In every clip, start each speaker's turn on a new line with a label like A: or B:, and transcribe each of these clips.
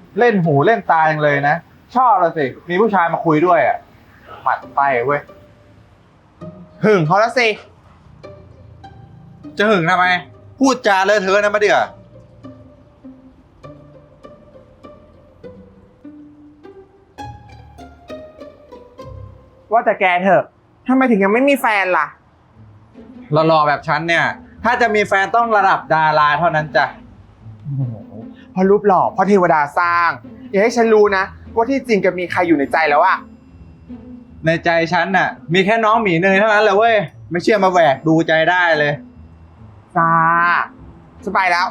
A: เล่นหูเล่นตาอย่างเลยนะชอบเลยสิมีผู้ชายมาคุยด้วยอ่ะหมัดไตเว้ย
B: หึงเขาแล้วสิ
A: จะหึงทำไมพูดจาเลอะเทอะนะมาเดือ
B: ว่าแต่แกเถอะทำไมถึงยังไม่มีแฟนล่ะ
A: หล่อๆแบบฉันเนี่ยถ้าจะมีแฟนต้องระดับดาราเท่านั้นจ้ะ
B: เพราะรูปหล่อเพราะเทวดาสร้างอย่าให้ฉันรู้นะว่าที่จริงแกมีใครอยู่ในใจแล้วอะ
A: ในใจฉันน่ะมีแค่น้องหมีเนยเท่านั้นแหละเว้ยไม่เชื่อมาแหวกดูใจได้เลย
B: จ้าสบายแล้ว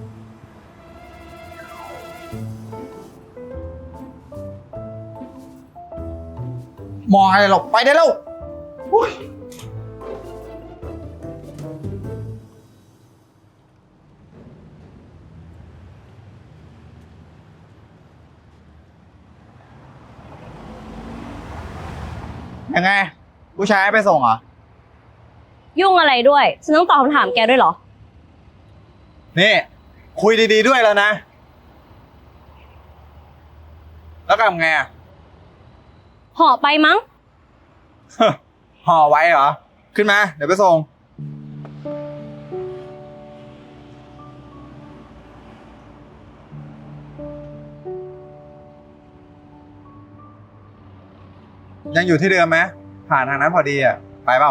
A: มองอะไรหรอกไปได้แล้วยังไงผู้ชายให้ไปส่งเหรอ
C: ยุ่งอะไรด้วยฉันต้องตอบคำถามแกด้วยเหรอ
A: นี่คุยดีๆด้วยแล้วนะแล้วทำไงอ่ะ
C: ห่อไปมั้ง
A: ห่อไว้เหรอขึ้นมาเดี๋ยวไปส่งยังอยู่ที่เดิมไหมผ่านทางนั้นพอดีอ่ะไปเปล่า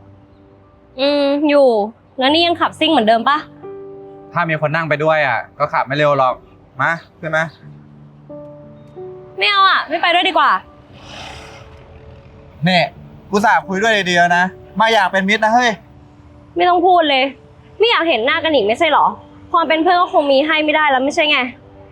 C: อยู่แล้วนี่ยังขับซิ่งเหมือนเดิมปะ
A: ถ้ามีคนนั่งไปด้วยอ่ะก็ขับไม่เร็วหรอกมาขึ้นมา
C: ไม่เอาอ่ะไม่ไปด้วยดีกว่า
A: เนี่ยกูสาบคุยด้วยดีๆนะมาอยากเป็นมิตรนะเฮ้ย
C: ไม่ต้องพูดเลยไม่อยากเห็นหน้ากันอีกไม่ใช่หรอความเป็นเพื่อนก็คงมีให้ไม่ได้แล้วไม่ใช่ไง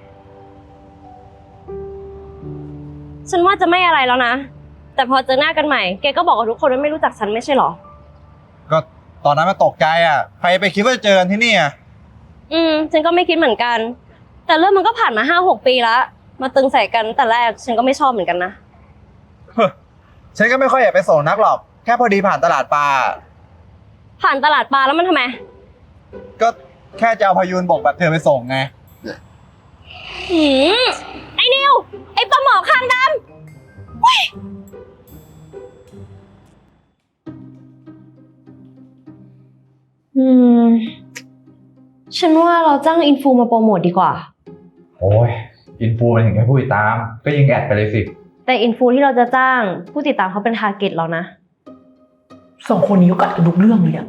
C: ฉันว่าจะไม่อะไรแล้วนะแต่พอเจอหน้ากันใหม่แกก็บอกกับทุกคนว่าไม่รู้จักฉันไม่ใช่หรอ
A: ก็ตอนนั้นมาตกใจอ่ะใครไปคิดว่าจะเจอกันที่นี่อ่ะ
C: ฉันก็ไม่คิดเหมือนกันแต่เรื่องมันก็ผ่านมา5-6 ปีแล้วมาตึงใส่กันแต่แรกฉันก็ไม่ชอบเหมือนกันนะ
A: ฉันก็ไม่ค่อยอยากไปส่งนักหรอกแค่พอดีผ่านตลาดปลา
C: ผ่านตลาดปลาแล้วมันทำไม
A: ก็แค่จะเอาพายุนบกแบบเธอไปส่งไง
C: ไอ้นิวไอ้ปลาหมอคางดำฉันว่าเราจ้างอินฟูมาโปรโมทดีกว่า
A: โอ้ยอินฟูมันถึงแค่ผู้ติดตามก็ยิงแอดไปเลยสิ
C: แต่อินฟูที่เราจะจ้างผู้ติดตามเขาเป็นทาร์เก็ตเรานะ
D: 2 คนนี้ก็กัดกันทุกเรื่องเลยอะ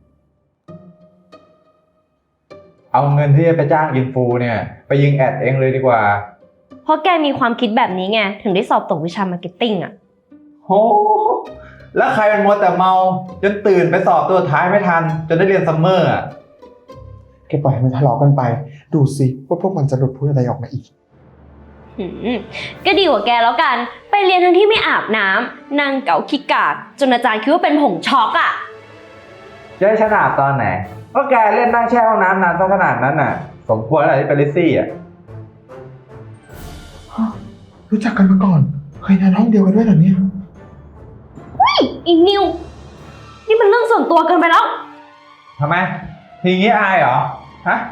A: เอาเงินที่จะไปจ้างอินฟูเนี่ยไปยิงแอดเองเลยดีกว่า
C: เพราะแกมีความคิดแบบนี้ไงถึงได้สอบตกวิชามาร์เก็ตติ้งอะ
A: โหแล้วใครเป็นมัวแต่เมาจนตื่นไปสอบตัวท้ายไม่ทันจนได้เรียนซัมเมอร์อ่ะ
B: แกปล่อยให้มันทะเลาะกันไปดูสิว่าพวกมันจะหลุดพูดอะไรออกมาอีก
C: ก็ดีกว่าแกแล้วกันไปเรียนทั้งที่ไม่อาบน้ำนั่งเก๋าขี้กากจนอาจารย์คิดว่าเป็นผงช็อกอ่ะ
A: จะให้ฉันอาบตอนไหนก็แกเล่นนั่งแช่ห้องน้ำนานซะขนาดนั้นน่ะสมควรอะไรที่เป็นลิซซี่อ่ะ
B: รู้จักกันมาก่อนเคยนอนห้องเดียวกันด้วยเหรอเนี่ย
C: อีนิวนี่มันเรื่องส่วนตัวเกินไปแล้ว
A: ทำไมทีงี้อายเหรอฮะ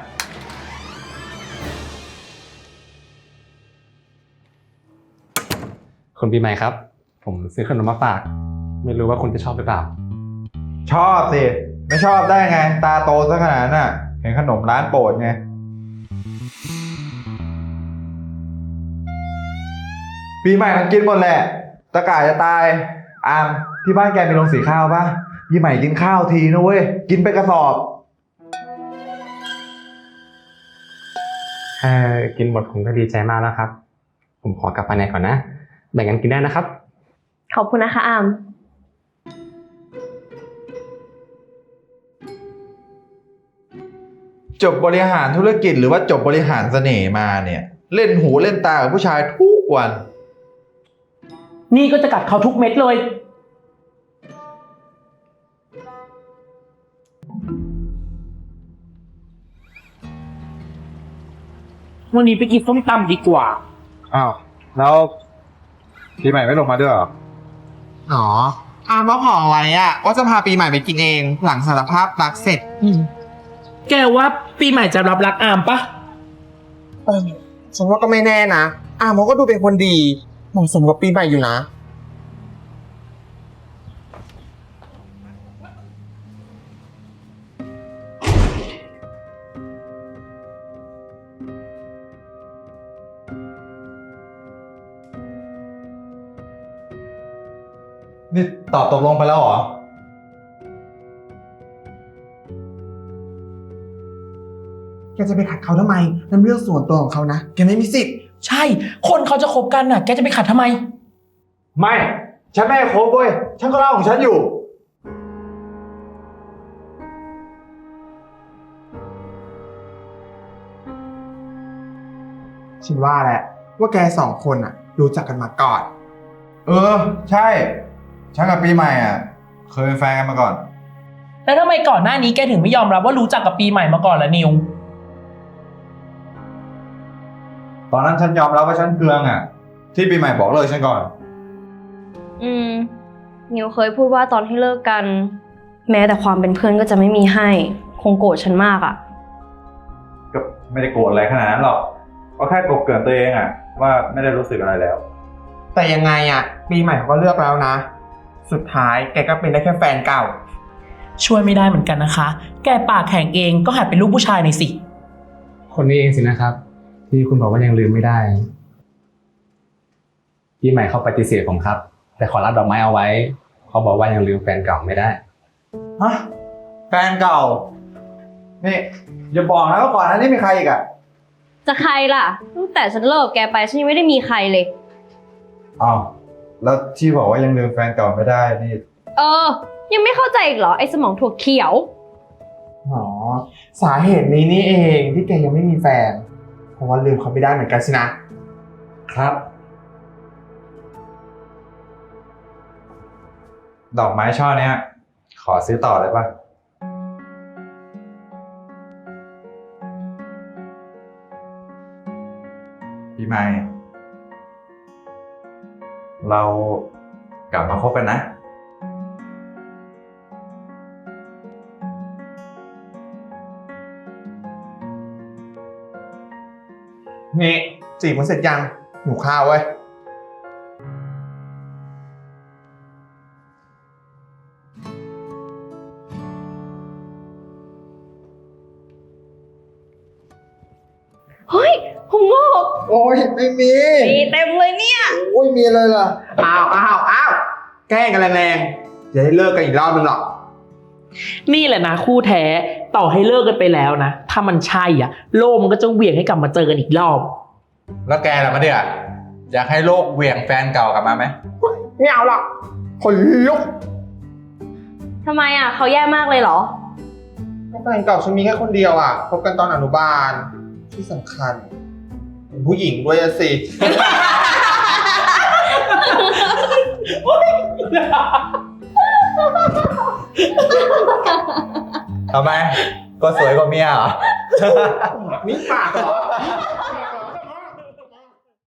E: คุณปีใหม่ครับผมซื้อขนมมาฝากไม่รู้ว่าคุณจะชอบหรือเปล่า
A: ชอบสิไม่ชอบได้ไงตาโตซะขนาดนั้นน่ะเห็นขนมร้านโปรดไงปีใหม่มันกินหมดแหละตะก่ายจะตายอามที่บ้านแกมีโรงสีข้าวปะปีใหม่กินข้าวทีนะเว้ยกินไปกระสอบ
E: กินหมดผมก็ดีใจมากแล้วครับผมขอกลับไปไหนก่อนนะแบ่งกันกินได้นะครับ
C: ขอบคุณนะคะอาม
A: จบบริหารธุรกิจหรือว่าจบบริหารเสน่ห์มาเนี่ยเล่นหูเล่นตากับผู้ชายทุกวัน
D: นี่ก็จะกัดเขาทุกเม็ดเลยวันนี้ไปกินส้มตำดีกว่า
A: อ้าวแล้วปีใหม่ไม่ลงมาด้วยเหรอ
B: อ๋ออามว่าขอไว้อะว่าจะพาปีใหม่ไปกินเองหลังสารภาพรักเสร็จ
D: แกว่าปีใหม่จะรับรักอามปะ
B: ฉันว่าก็ไม่แน่นะอาร์มเขาก็ดูเป็นคนดีเหมาะสมกับปีใหม่อยู่นะ
A: นี่ตอบตกลงไปแล้วเหรอ
B: แกจะไปขัดเขาทำไมนั่นเรื่องส่วนตัวของเขานะ แกไม่มีสิทธิ์
D: ใช่ คนเขาจะคบกันน่ะ แกจะไปขัดทำไม
A: ไม่ ฉันไม่ให้คบเว้ย ฉันก็เล่าของฉันอยู่
B: ฉันว่าแหละว่าแกสองคนอ่ะ รู้จักกันมาก่อน
A: เออ ใช่ ฉันกับปีใหม่อ่ะ เคยเป็นแฟนกันมาก่อน
D: แล้วทำไมก่อนหน้านี้แกถึงไม่ยอมรับว่ารู้จักกับปีใหม่มาก่อนล่ะนิว
A: ตอนนั้นฉันยอมรับว่าฉันเคืองอ่ะ ที่ปีใหม่บอกเลิกฉันก่อน
C: นิวเคยพูดว่าตอนที่เลิกกัน แม้แต่ความเป็นเพื่อนก็จะไม่มีให้ คงโกรธฉันมากอะ
A: ก็ไม่ได้โกรธอะไรขนาดนั้นหรอก ก็แค่กบเกลื่อนตัวเองอ่ะ ว่าไม่ได้รู้สึกอะไรแล้ว
B: แต่ยังไงอ่ะ ปีใหม่เขาก็เลือกแล้วนะ สุดท้ายแกก็เป็นได้แค่แฟนเก่า
D: ช่วยไม่ได้เหมือนกันนะคะ แกปากแข็งเองก็หัดเป็นลูกผู้ชายหน่อยสิ
E: คนนี้เองสินะครับ ที่คุณบอกว่ายังลืมไม่ได้พี่ใหม่เขาปฏิเสธผมครับ แต่ขอรับดอกไม้เอาไว้เขาบอกว่ายังลืมแฟนเก่าไม่ได้
A: ฮะ แฟนเก่า นี่อย่าบอกนะว่าก่อนหน้านี้มีใครอีกอ่ะ
C: จะใครล่ะ ตั้งแต่ฉันเลิกแกไปฉันยังไม่ได้มีใครเลย
A: อ้าว แล้วที่บอกว่ายังลืมแฟนเก่าไม่ได้นี่
C: ยังไม่เข้าใจอีกเหรอไอ้สมองถั่วเขียว
B: อ๋อ สาเหตุนี้นี่เองที่แกยังไม่มีแฟน เพราะว่าลืมเขาไม่ได้เหมือนกันสินะ
A: ครับ ดอกไม้ช่อเนี้ย ขอซื้อต่อได้ปะพี่ใหม่ เรากลับมาคบกันนะ
B: นี่จีบมันเสร็จยังหนูข้าวเว้ย
C: เฮ้ยผมงอก
B: โอ้ยไม่มี
C: มีเต็มเลยเนี่ย
B: โอ้ยมีเลยล่ะ อ้าวแกล้งกันแรงๆจะได้เลิกกันอีกรอบนึงหรอก
D: นี่แหละนะคู่แท้ ต่อให้เลิกกันไปแล้วนะ ถ้ามันใช่อ่ะ โลกมันก็จะเหวี่ยงให้กลับมาเจอกันอีกรอบ
A: แล้วแกล่ะมาเดืออยากให้โลกเหวี่ยงแฟนเก่ากลับมาไหม
B: ไม่เอาหรอกคนลุก
C: ทำไมอ่ะเขาแย่มากเลยเหรอ
B: แฟนเก่าฉันมีแค่คนเดียวอ่ะคบกันตอนอนุบาลที่สำคัญเป็นผู้หญิงด้วยอะสิ
A: ทำไม ก็สวยกว่าเมียเหรอ
B: นี่ปากเหรอ